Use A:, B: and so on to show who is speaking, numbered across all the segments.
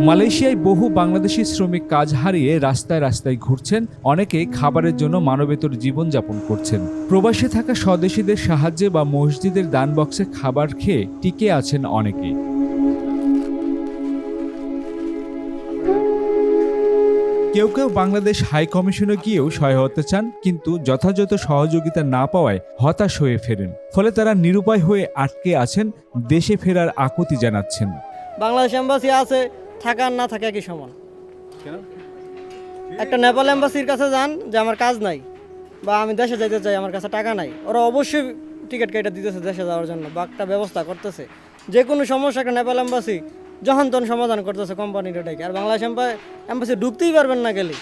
A: মালয়েশিয়ায় বহু বাংলাদেশি শ্রমিক কাজ হারিয়ে রাস্তায় রাস্তায় ঘুরছেন, অনেকে খাবারের জন্য মানবেতর জীবনযাপন করছেন। প্রবাসে থাকা স্বদেশীদের সাহায্যে বা মসজিদের দান বক্সে খাবার খেয়ে টিকে আছেন অনেকে। কেউ কেউ বাংলাদেশ হাই কমিশনে গিয়েও সহায়তা চান, কিন্তু যথাযথ সহযোগিতা না পাওয়ায় হতাশ হয়ে ফেরেন। ফলে তারা নিরুপায় হয়ে আটকে আছেন, দেশে ফেরার আকুতি জানাচ্ছেন।
B: বাংলাদেশ এম্বাসি আছে, থাকা আর না থাকা একই সমান। একটা নেপাল এম্বাসির কাছে যান যে আমার কাজ নাই বা আমি দেশে যাইতে চাই, আমার কাছে টাকা নাই, ওরা অবশ্যই টিকিট কেটে দিতেছে দেশে যাওয়ার জন্য বা একটা ব্যবস্থা করতেছে। যে কোনো সমস্যা একটা নেপাল এম্বাসি যখন তখন সমাধান করতেছে কোম্পানির এটাকে। আর বাংলাদেশ এম্বাসি ঢুকতেই পারবেন না গেলে।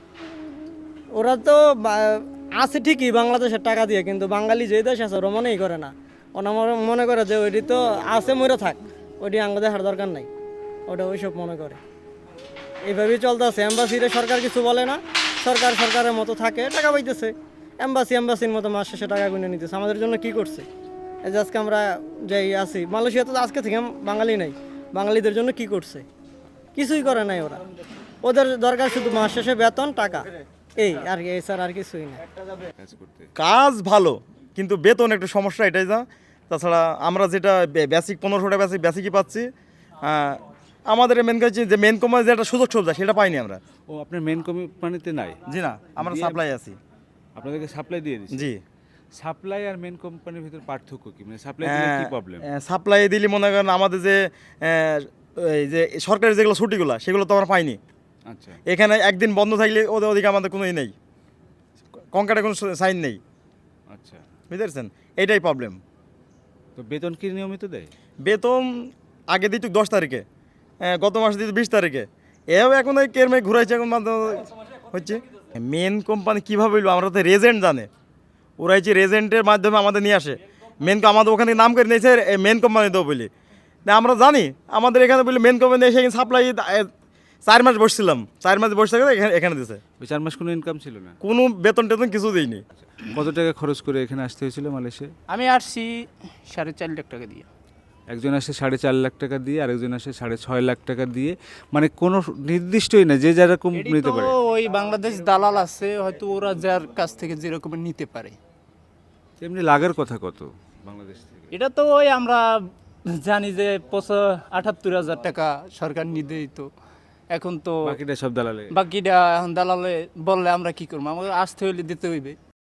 B: ওরা তো আছে ঠিকই বাংলাদেশের টাকা দিয়ে, কিন্তু বাঙালি যে দেশ আছে ওরা মনেই করে না। ওরা মনে করে যে ওইটি তো আছে, মরে থাক, ওইটি আঙ্গ দেখার দরকার নাই, ওটা ওইসব মনে করে। এইভাবেই চলতেছে। এম্বাসিরে সরকার কিছু বলে না, সরকার সরকারের মতো থাকে, টাকা পাইতেছে। এম্বাসির মতো মাস শেষে টাকা গুনে নিতেছে। আমাদের জন্য কি করছে? এই যে আজকে আমরা যাই আছি মালয়েশিয়াতে, আজকে থেকে বাঙালি নাই, বাঙালিদের জন্য কি করছে? কিছুই করে নাই ওরা। ওদের দরকার শুধু মাস শেষে বেতন, টাকা, এই আর কি, স্যার আর কিছুই না।
C: কাজ ভালো, কিন্তু বেতন একটু সমস্যা, এটাই যা। তাছাড়া আমরা যেটা বেসিক 1500 টাকা বেসিকই পাচ্ছি। আমাদের মেন কাজ যে মেন কোম্পানি যেটা সুযোগ সুবিধা সেটা পাইনি আমরা।
A: ও, আপনার মেন কোম্পানিতে নাই?
C: জি না, আমরা সাপ্লাই আছি।
A: আপনাদেরকে সাপ্লাই দিয়ে দিচ্ছি?
C: জি।
A: সাপ্লাই আর মেন কোম্পানির ভিতর পার্থক্য কি? মানে সাপ্লাই দিলে কি প্রবলেম?
C: সাপ্লাই দিলে মনে করেন আমাদের যে এই যে সরকারি যেগুলো ছুটিগুলো সেগুলো তো আমরা পাইনি।
A: আচ্ছা।
C: এখানে একদিন বন্ধ থাকলে ওদিকে আমাদের কোনো নেই, কঙ্কাটে কোনো সাইন নেই।
A: আচ্ছা,
C: বুঝতে পারছেন, এইটাই প্রবলেম।
A: তো বেতন কি নিয়মিত দেয়?
C: বেতন আগে দিত 10 তারিখে, গত মাসে দিত 20 তারিখে। এভাবে এখন ওই কেরমে ঘুরাইছে, এখন হচ্ছে। মেন কোম্পানি কীভাবে হইলো আমরা তো রেজেন্ট জানে, ওরা যে রেজেন্টের মাধ্যমে আমাদের নিয়ে আসে। আমাদের ওখানে নাম করে নিয়েছে মেন কোম্পানি দেবো বলি, আমরা জানি আমাদের এখানে বলি মেন কোম্পানি এসে সাপ্লাই 4 মাস বসছিলাম, 4 মাস বসে থাকে এখানে দিছে।
A: ওই 4 মাস কোনো ইনকাম ছিল না?
C: কোনো বেতন টেতন কিছু দিইনি।
A: কত টাকা খরচ করে এখানে আসতে হয়েছিল মালয়েশিয়া?
D: আমি আসছি 4.5 লাখ টাকা দিয়ে।
A: একজন আসে 4.5 লাখ টাকা দিয়ে, আরেকজন আসে 6.5 লাখ টাকা দিয়ে। মানে কোনো নির্দিষ্টই না, যে যেরকম নিতে পারে।
D: ওই বাংলাদেশ দালাল আছে, হয়তো ওরা যার কাছ থেকে যেরকম নিতে পারে।
A: এমনি লাগার কথা কত বাংলাদেশ থেকে?
D: এটা তো ওই আমরা জানি যে 78,000 টাকা সরকার নিদেই, তো এখন তো
A: বাকিটা সব দালালে?
D: বাকিটা এখন দালালে বললে আমরা কি করবো? আমাদের আসতে হইলে দিতে হইবে।